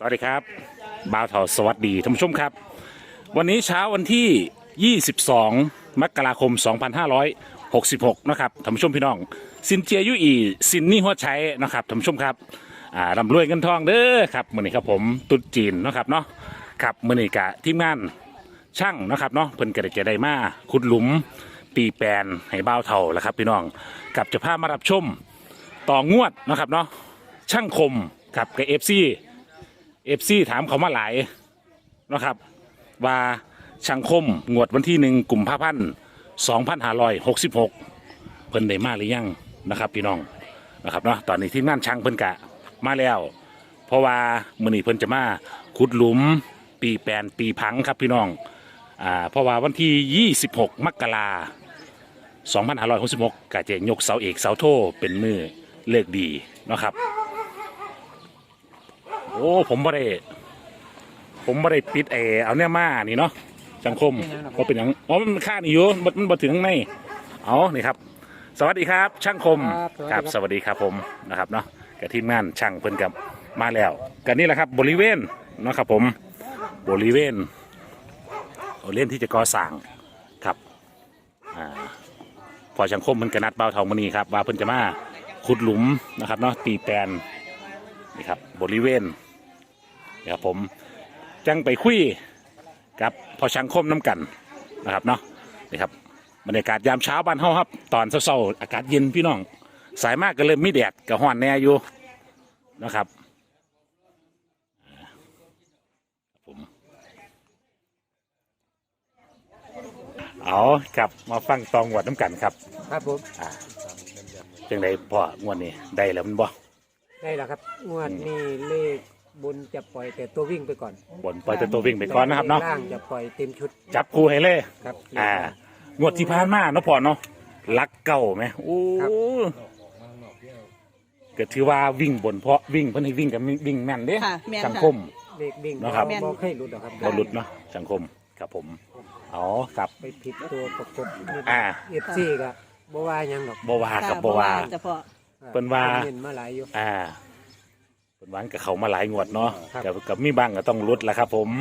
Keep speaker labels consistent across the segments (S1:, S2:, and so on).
S1: สวัสดีครับบ่าวเถาสวัสดีท่านผู้ชมครับวันนี้เช้าวันที่ 22 มกราคม 2566 นะครับท่านผู้ชมพี่น้องสินเจียยุอีสินนี่หัวใช้นะครับท่านผู้ชมครับร่ำรวยเงินทองเด้อครับมื้อนี้ครับผมตุ๊ดจีนนะครับเนาะครับมื้อนี้กะทีมงานช่างนะครับเนาะเพิ่นก็ได้จะได้มาขุดหลุมปีแปลนให้บ่าวเถาแล้วครับพี่น้องกับจะพามารับชมต่องวดนะครับเนาะช่างคมกับกับเอฟซีถามเขามาหลายนะครับว่าช่างคมงวดวันที่1 กุมภาพันธ์ 2566 เพิ่นได้มาหรือยังนะครับพี่น้องนะครับเนาะตอนนี้ทีมงานช่างเพิ่นกะมาแล้วเพราะว่ามื้อนี้เพิ่นจะมาขุดหลุมปีแปลนปีพังครับพี่น้องเพราะว่าวันที่ 26 มกราคม 2566กะจะยกเสาเอกเสาโทเป็นมือเลิกดีนะครับโอ้ผมไม่ได้ปิดเอาเนี่ยมานี่เนาะสังคมก็เป็นอย่างอ๋อมันค่านี่อยู่มันมาถึงข้างในเอานี่ครับสวัสดีครับช่างคมครับสวัสดีครับผมนะครับเนาะกับทีมงานช่างเพิ่นกับมาแล้วกันนี่แหละครับบริเวณเนาะครับผมบริเวณที่จะก่อสร้างครับพอช่างคมมันกระนัดเบาเท่ามือนี้ครับว่าเพิ่นจะมาขุดหลุมนะครับเนาะตีแปลนนี่ครับบริเวณนะครับผมจังไปคุยกับพอช่างคมน้ำกันนะครับเนาะนี่ครับบรรยากาศยามเช้าบ้านเฮาครับตอนเช้าๆอากาศเย็นพี่น้องสายมากก็เลยไม่แดดกับห้อนแน่อยู่นะครับผมเอาครับมาฟังตองหวดน้ำกันครับ
S2: ครับผม
S1: จังไดพ่องวดนี้ได้แล้วมันบ่
S2: ได้แล้วครับงวดนี้เลขบนจะปล่อยแต่ตัววิ่งไปก่อน
S1: บนปล่อยแต่ตัววิ่งไปก่อนนะครับเนาะ
S2: ล่างจะปล่อยเต็มชุด
S1: จับคู่ให้เลย
S2: ครับ
S1: งวดที่ผ่านมาเนาะพ่อเนาะลักเก่าไหมโอ้ก็ถือว่าวิ่งบนเพราะวิ่งเพิ่นให้วิ่งกับวิ่งแม่นเด้สังคม
S2: เลขวิ่ง
S1: นะครับ
S2: บ่ให้หลุดหรอกครับ
S1: บ่หลุดเนาะสังคมครับผมอ๋อครับ
S2: ไปผิดตัวประกบFC ก็บ่ว่าหยังหรอก
S1: บ่ว่ากับบ่ว่าเพิ่นว่า
S2: เห็นมาหลายอยู่
S1: เพิ่นวางกับเขามาหลายงวดเนาะกับมีบ้างก็ต้องลดแหละครับผม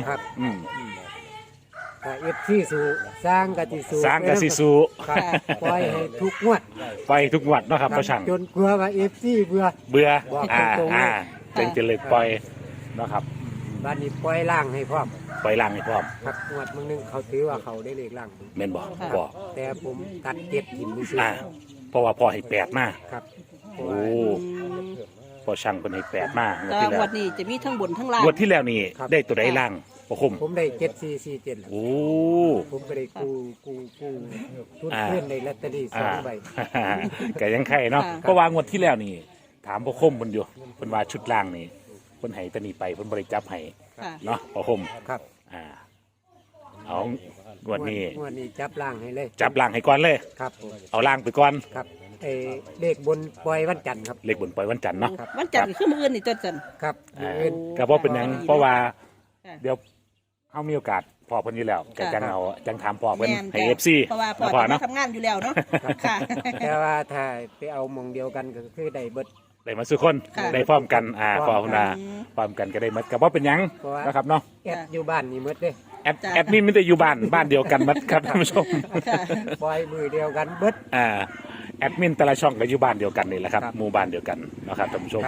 S2: ถ้าFC สู้สร้างก็สิสู้
S1: ครับ
S2: ปล่อยให้ทุกงวด
S1: ไปทุกงวดเนาะครับพ่อช่าง
S2: จนกลัวว่า FC เบื่อ
S1: จึงจะเลยปล่อยเนาะครับ
S2: บัดนี้ปล่อยล่างให้พร้อม
S1: ปล่อยล่างให้พร้อม
S2: ครับงวดมึงนึงเขาถือว่าเขาได้เลขล่าง
S1: แม่นบ่
S2: แต่ผมตัดเก็บกินซื่อ
S1: เพราะว่าพ่อให้8มา
S2: ครับ
S1: โอ้พอช่างเป็นให้8มาก
S3: แต่งวดนี้จะมีทั้งบนทั้งล่าง
S1: งวดที่แล้วนี่ได้ตัวใดล่างพ่อคม
S2: ผมได้7447
S1: โอ้
S2: ผมก็ได้กู้ทุนเพื่อนในลอตเตอรี่2 ใบ
S1: ก็ยังไข่เนาะเพราะว่างวดที่แล้วนี่ถามพ่อคมเพิ่นอยู่เพิ่นว่าชุดล่างนี่เพิ่นให้ตะนี่ไปเพิ่นบ่ได้จับให้เนาะพ่อคม
S2: ครับ
S1: เอางวดนี้
S2: จับล่างให้เลย
S1: จับล่างให้ก่อนเลย
S2: ครับ
S1: เอาล่างไปก่อน
S2: ครับเลขบนปล่อยวันจันทร์ครับ
S1: เลขบนปล่อยวันจันทร์เนาะ
S3: วันจันทร์คือมื้ออื่นนี่จัน
S2: ครับ
S1: ก็บ่เป็นหยังเพราะว่าเดี๋ยวเฮามีโอกาสพอเพิ่นอยู่แล้วก็จังถามพ่อเพิ่นให้ FC
S3: เพราะว่าพ่อทำงานอยู่แล้วเนาะค่ะ
S2: แต่ว่าถ้าไปเอามองเดียวกันก็คือได้เบิด
S1: ได้มาสุคนได้พร้อมกันพร้อมกันพร้อมกันก็ได้หมดก็บ่เป็นหยังนะครับเนาะ
S2: แอดอยู่บ้านนี่หมดเด้
S1: แอดมินไม่ได้อยู่บ้านเดียวกันหมดครับท่านผู้ชม
S2: ปล่อยมือเดียวกันเบิด
S1: แอดมินแต่ละช่องก็อยู่บ้านเดียวกันนี่แหละครับหมู่บ้านเดียวกันนะครับท่านผู้ชม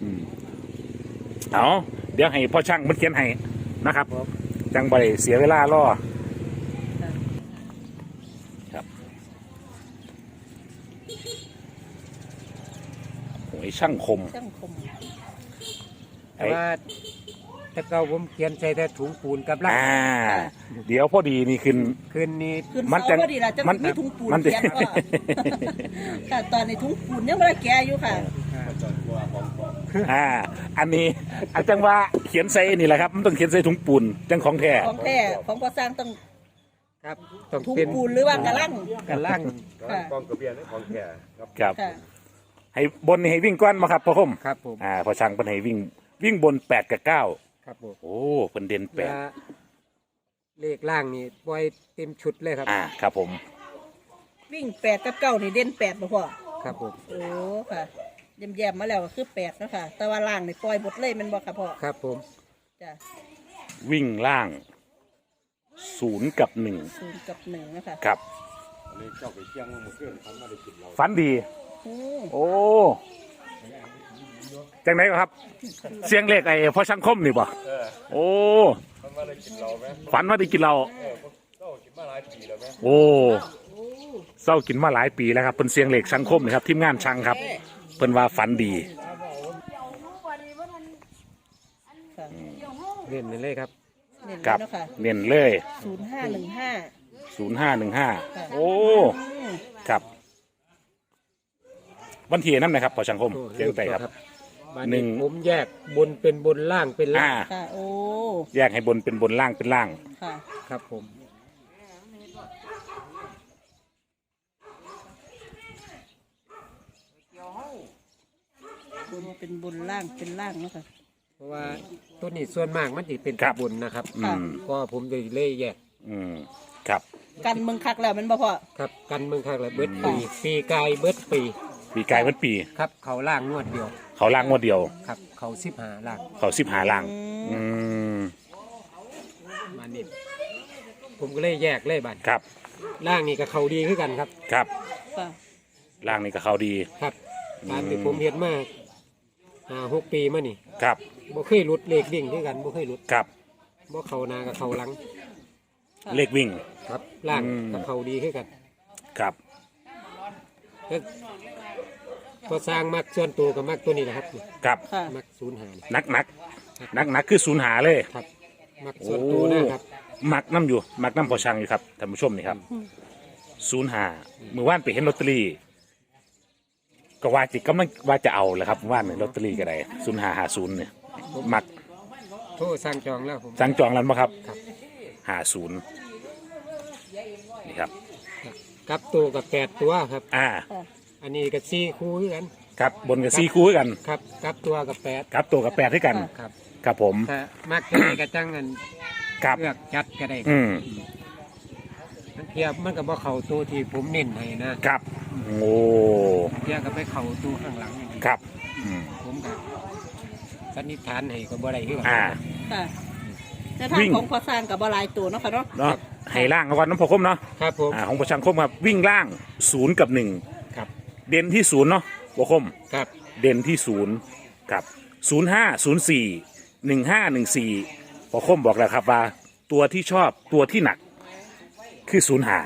S1: เอาเดี๋ยวให้พ่อช่างมันเขียนให้นะครับจังบ่ได้เสียเวลารอครับโอ้ยช่างคม
S2: แต่ว่าแต่เก่าผมเขียนใส่แต่ถุงปูนกับล่าง
S1: เดี๋ยวพอดีนี่คืน
S2: นี้
S3: มันจะมีถุงปูนเขียนว่าตอนในถุงปูนยังไม่ได้แก่อยู่ค่ะ
S1: อันนี้อาจารย์ว่าเขียนใส่นี่แหละครับมันต้องเขียนใส่ถุงปูนจังของแท้
S3: ของพอสร้างต้อง
S2: ครับ
S3: ถุงปูนหรือว่ากระลัง
S2: กองกระเบียนของแท้
S1: ครับให้บนให้วิ่งก้อนมาครับพ่อคม
S2: ครับผม
S1: พอช่างเป็นให้วิ่งบน8 กับ 9
S2: ครับผม
S1: โอ้เป็นเด่น
S2: 8เลขล่างนี่ปล่อยเต็มชุดเลยครับ
S1: ครับผม
S3: วิ่ง8 กับ 9นี่เด่น8บ่พ่อ
S2: ครับผม
S3: โอ้ค่ะแย้มๆมาแล้วก็คือ8เนาะค่ะแต่ว่าล่างนี่ปล่อยหมดเลยมันบ่ครับพ่อ
S2: ครับผม
S3: จ้ะ
S1: วิ่งล่างศูนย์กับหนึ่ง
S3: 0 กับ 1นะคะ
S1: ครับฝันดี
S3: โอ้
S1: โอ้จังไหนครับ เสียงเลขไอ้พ่อช่างคมนี่ป่ะโอ้ฝันว่าได้กินเราโอ้เศร้ากินมาหลายปีแล้วครับเป็นเสียงเลขช่างคมนะครับทีมงานช่างครับเพิ่นว่าฝันดี
S3: ค่ะ
S2: เล่นเลยครับ
S3: เน้น
S1: กับ
S3: แล้วค่ะ
S1: เน้นเลย
S3: 0515
S1: 0515โอ้ครับวันที่นั่นนะครับพ่อช่างคมเจียงไต่ครับ
S2: บ้าน
S1: หนึ่
S2: นี้
S1: ง
S2: ผมแยกบนเป็นบนล่างเป็นล่าง
S3: ค่ะโอ้
S1: แยกให้บนเป็นบนล่างเป็นล่าง
S3: ค่ะ
S2: ครับผม
S3: บนเป็นบนล่างเป็นล่างเนาะค่ะ
S2: เพราะว่าตัวนี้ส่วนมากมันจะเป็น
S1: ครับ
S2: บนนะครับ
S1: อืม
S2: ก็ผมจะเล่แยก
S1: อืมครับ
S3: กันเมืองคักแล้วแมันบ่พอ
S2: ครับกันเมืองข้างละเบิดปีปีกายเบิดปี
S1: ปีกายวันปี
S2: ครับเขาล่างงวดเดียว
S1: เขาล่างงวดเดียว
S2: ครับเขา15ล่าง
S1: เขา15ล่าง อืม
S2: มานี่ผมก็เลยแยกเลยบัด
S1: ครับ
S2: ล่างนี่ก็เขาดีขึ้นกันครับ
S1: ครับ
S3: ค่ะ
S1: ล่างนี่ก็เขาดี
S2: ครับตามที่ผมเห็นมา6 ปีมานี่
S1: ครับ
S2: บ่เคยหลุดเลขดิ่งด้วยกันบ่เคยหลุด
S1: ครับ
S2: บ่เขาหนากับเขาหลัง
S1: เลขวิ่ง
S2: ครับล่าง
S1: อืม
S2: กับเขาดีขึ้นกัน
S1: ครับ
S2: แล้วพอสร้างมักส่วนตัวกับมักตัวนี้แหละครับ
S1: ครับ
S3: ค่ะ
S2: มัก05นี่
S1: นักคือศูนย์หาเลย
S2: ครับ มักส่วนตัวนะครับ
S1: มักน้ำอยู่ มักน้ำพอช่างอยู่ครับท่านผู้ชมนี่ครับศูนย์หาเมื่อวานไปเห็นลอตเตอรี่ก็ว่าจิกำลังว่าจะเอาแหละครับเมื่อว่านเนี่ยลอตเตอรี่ก็ได้0550เนี่ยมัก
S2: โทรสั่งจองแล้วผม
S1: สั่งจองแล้วมั้งครับ
S2: ครับ
S1: 50นี่ครับ
S2: กับตัวกับ8ตัวครับ
S1: อ่า
S3: ค่ะ
S2: อันนี้กับ4คู่คือกัน
S1: ครับบนกับซีคู่กัน
S2: ครับกับตัวกับ8
S1: ครับตัวกับ8ด้วยกัน
S2: ครับ
S1: ครับผม
S2: ถ้ามักจะได้กระจังกัน
S1: ครับ
S2: เลือกจัดก็ได้
S1: อืม
S2: เทียบมันกับว่าเขาตัวที่ผมเน้นให้นะครับ
S1: โอ้
S2: เทียบกับไปเขาตัวข้างหลังอย่างนี้
S1: ครับอืม
S2: ผมกับสันนิษฐานให้ก็บ่ได้คือกัน
S1: อ่า
S3: ค่ะแต่ทาง
S1: วิ่ง
S3: ของพอสร้างกับบหลายตัวเนาะค่ะเนาะ
S1: เนาะให้ล่างเอาก่อนน้ำพอคมเนาะ
S2: ครับผม
S1: ของประชังคมครับวิ่งล่าง0กับ1
S2: ครับ
S1: เด่นที่0เนาะพอคม
S2: ครับ
S1: เด่นที่0กับ05041514พอคมบอกแล้วครับว่า ตัวที่ชอบตัวที่หนัก คือ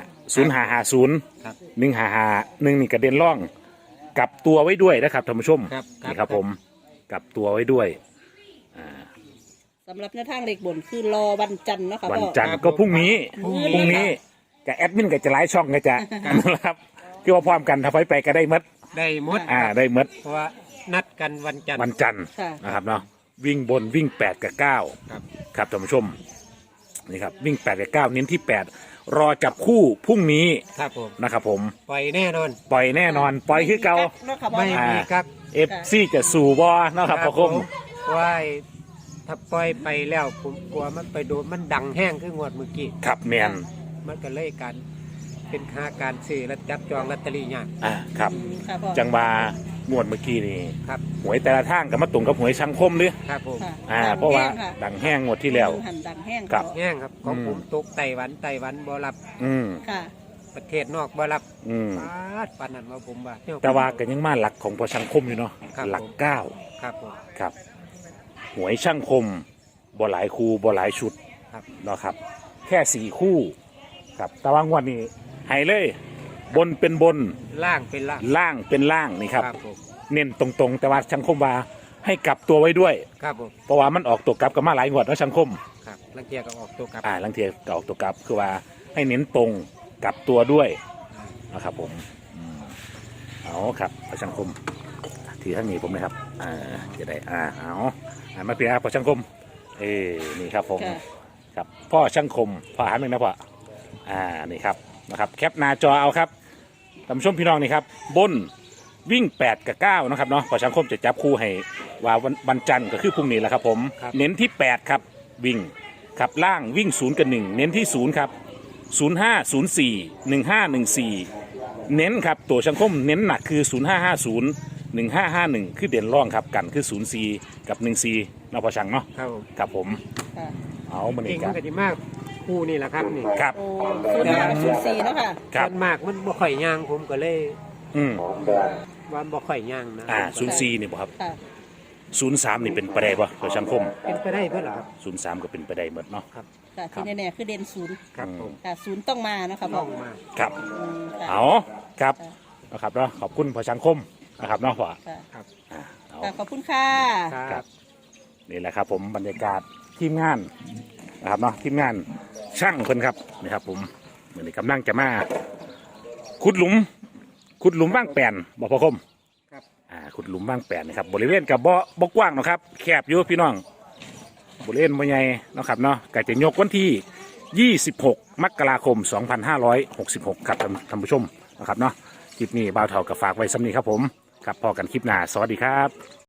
S1: 0550
S2: ครับ
S1: 1551นี่กระเด็นร่องกลับตัวไว้ด้วยนะครับท่านผู้ชม
S2: ครับ
S1: นี่ครับผมกลับตัวไว้ด้วย
S3: สำหรับแนวทางเลขบนคือรอวันจันทร์เนาะค่ะ
S1: วัน
S3: พ่อ
S1: จันทร์ก็พรุ่งนี้
S3: พรุ่ง
S1: พรุ่งนี้กับแอดมินก็จะไลฟ์ช่องก็จะนะครับคือว่าพร้อมกันถ้าไฟไปก็ได้หมด
S2: ได้หมด
S1: ได้หมด
S2: เพราะว่านัดกันวันจันทร์
S1: วันจันทร์
S3: ค่ะ
S1: นะครับเนาะวิ่งบนวิ่ง8กับ9
S2: ครับ
S1: ครับท่านผู้ชมนี่ครับวิ่ง8กับ9เน้นที่8รอจับคู่พรุ่งนี้
S2: ครับผม
S1: นะครับผม
S2: ปล่อยแน่นอน
S1: ปล่อยแน่นอนปล่อยคือเก่า
S3: เนาะค่ะพ่อ
S2: ไม่
S3: เนาะ
S2: มีครับ
S1: เอฟซีจะสู่บอนะครับพ่อคม
S2: ว่าถ้าปล่อยไปแล้วผมกลัวมันไปโดนมันดังแห้งคืองวดเมื่อกี้
S1: ครับแมน
S2: มันก็เลยการเป็นค่าการซื้อและจับจองลอตเตอรี่ยาก
S1: ครับ
S3: ค่ะพ่อ
S1: จังบางวดเมื่อกี้นี่
S2: ครับ
S1: หวยแต่ละทางกับมาตรงกับหวยช่างคมหรือ
S2: ครับผม
S3: ค่ะ
S1: เพราะว่า
S3: ดังแห้งค่ะ
S1: ดังแห้งงวดที่แล้ว
S3: หันดังแห้ง
S1: ครับ
S3: พ่อ
S2: แห้งครับของ
S1: อืม
S2: ผมตกไต้หวันบ่รับ
S1: อืม
S3: ค่ะ
S2: ประเทศนอกบ่รับ
S1: อืม
S2: ปานนั้นว่าผมว่า
S1: แต่ว่าก็ยังมาหลักของพอช่างคมอยู่เนาะ
S2: ครับ
S1: หลัก
S2: ผม
S1: 9
S2: ครับผม
S1: ครับหวยช่างคมบ่หลายคู่บ่หลายชุด
S2: ครับ
S1: เนาะครับ แค่4คู่ครับแต่ว่างวดนี้ให้เลย บนเป็นบน
S2: ล่างเป็นล่าง
S1: ล่างเป็นล่างนี่ครับ
S2: ผม
S1: เน้นตรงๆ แต่ว่าช่างคมว่าให้กลับตัวไว้ด้วย
S2: ครับผม
S1: เพราะว่ามันออกตัวกลับกันมาหลายงวดแล้วช่างคม
S2: ครับลังเกียจก็ออกตัวกลับ
S1: ลังเทียก็ออกตัวกลับคือว่าให้เน้นตรงกลับตัวด้วยนะครับผมเอาครับพระช่างคมทีท่านนี้ผมนะครับจะได้เอามาเพียร์พอช่างคมนี่ครับผม
S3: ค่ะ
S1: ครับพ่อช่างคมพ่ออาหารหนึ่งนะพ่อนี่ครับนะครับแคปหน้าจอเอาครับท่านผู้ชมพี่น้องนี่ครับบนวิ่ง8กับ9นะครับเนาะพอช่างคมจะจับคู่ให้ว่าวันจันทร์ก็คือพรุ่งนี้แหละครับผมเน้นที่8ครับวิ่งครับล่างวิ่ง0กับ1เน้นที่0ครับ05041514เน้นครับตัวช่างคมเน้นหนักคือ0550 1551คือเด่นร่องครับกันคือ04กับ14เนาะพอช่างเนาะ
S2: ครับผม
S1: ครับผม
S3: ค่ะ
S1: เอามัน
S2: เก่
S1: นี่
S2: ง
S1: กั
S2: มัน นก็ดีมากคู่นี่แหละครับนี่
S1: ครับ
S3: โอ้05กับ04เนาะค่ะ
S1: ครับ
S2: ส่วนมากมันบ่ค่อยย่างผมก็เลย
S1: อืม
S2: ว่าบ่ค่อยย่างนะ
S1: 04นี่บ่ครับ
S3: ค่ะ
S1: 03นี่เป็นไปได้บ่ต่อสังคม
S2: เป็นไปได้เพื่อเหรอครับ
S1: 03ก็เป็นไปได้หมดเนาะ
S3: ค่ะที่แน่ๆคือเด่น0
S2: ครับผม
S3: ค่ะ0ต้องมาเนาะค่ะพ่
S2: ต้
S3: อ
S2: องมา
S1: ครับ
S3: ค่ะ
S1: เอาครับนะครับเนาะขอบคุณพอสังคมนะครับเนาะพ่อ
S3: ค่ะ
S2: ครับ
S1: เอา
S3: ค่ะขอบคุณค่ะ
S2: ครับ
S1: นี่แหละครับผมบรรยากาศทีมงานนะครับเนาะทีมงานช่างเพิ่นครับนี่ครับผมเหมือนกำลังจะมาขุดหลุมว่างแปลนบ่พอคม
S2: ครับ
S1: ขุดหลุมว่างแปลนนะครับบริเวณกับบ่กว้างเนาะครับแคบอยู่พี่น้องบริเวณบ่ใหญ่เนาะครับเนาะก็จะยกวันที่26มกราคม2566ครับท่านผู้ชมนะครับเนาะคลิปนี้บ่าวเฒ่ากับฝากไว้สำนี้ครับผมครับพอกันคลิปหน้าสวัสดีครับ